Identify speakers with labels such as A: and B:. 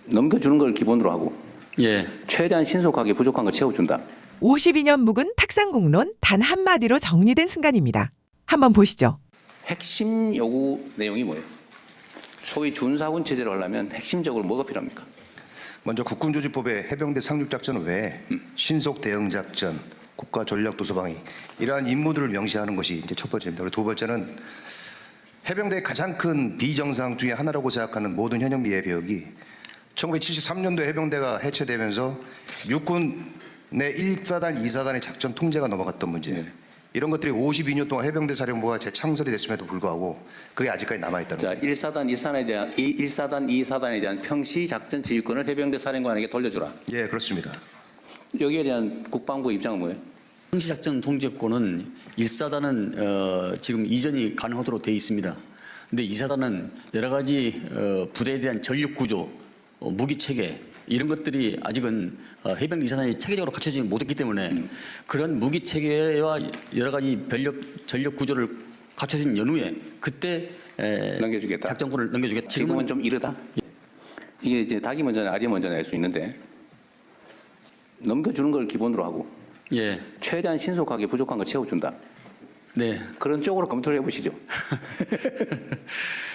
A: 넘겨주는 걸 기본으로 하고
B: 예.
A: 최대한 신속하게 부족한 걸 채워준다.
C: 52년 묵은 탁상공론 단 한마디로 정리된 순간입니다. 한번 보시죠.
A: 핵심 요구 내용이 뭐예요? 소위 준사군 체제를 하려면 핵심적으로 뭐가 필요합니까?
D: 먼저 국군조직법의 해병대 상륙작전 외에 신속 대응작전, 국가 전략 도서방위 이러한 임무들을 명시하는 것이 이제 첫 번째입니다. 그리고 두 번째는 해병대의 가장 큰 비정상 중에 하나라고 생각하는 모든 현역 예비역이 1973년도 해병대가 해체되면서 육군 내 1사단, 2사단의 작전 통제가 넘어갔던 문제. 이런 것들이 52년 동안 해병대 사령부가 재창설이 됐음에도 불구하고 그게 아직까지 남아있다는
A: 자,
D: 거예요.
A: 1사단, 2사단에 대한 1사단, 2사단에 대한 평시 작전 지휘권을 해병대 사령관에게 돌려주라.
D: 예, 그렇습니다.
A: 여기에 대한 국방부 입장은 뭐예요?
B: 평시작전 통제권은 1사단은 지금 이전이 가능하도록 되어 있습니다. 근데 2사단은 여러 가지 부대에 대한 전력 구조, 무기 체계 이런 것들이 아직은 해병 2사단이 체계적으로 갖춰지지 못했기 때문에 그런 무기 체계와 여러 가지 전력 구조를 갖춰진 연후에 그때
A: 넘겨주겠다.
B: 작전권을 넘겨주겠다.
A: 지금은 좀 이르다. 이게 이제 닭이 먼저냐 알이 먼저냐 알 수 있는데 넘겨주는 걸 기본으로 하고
B: 예,
A: 최대한 신속하게 부족한 걸 채워준다.
B: 네.
A: 그런 쪽으로 검토를 해보시죠.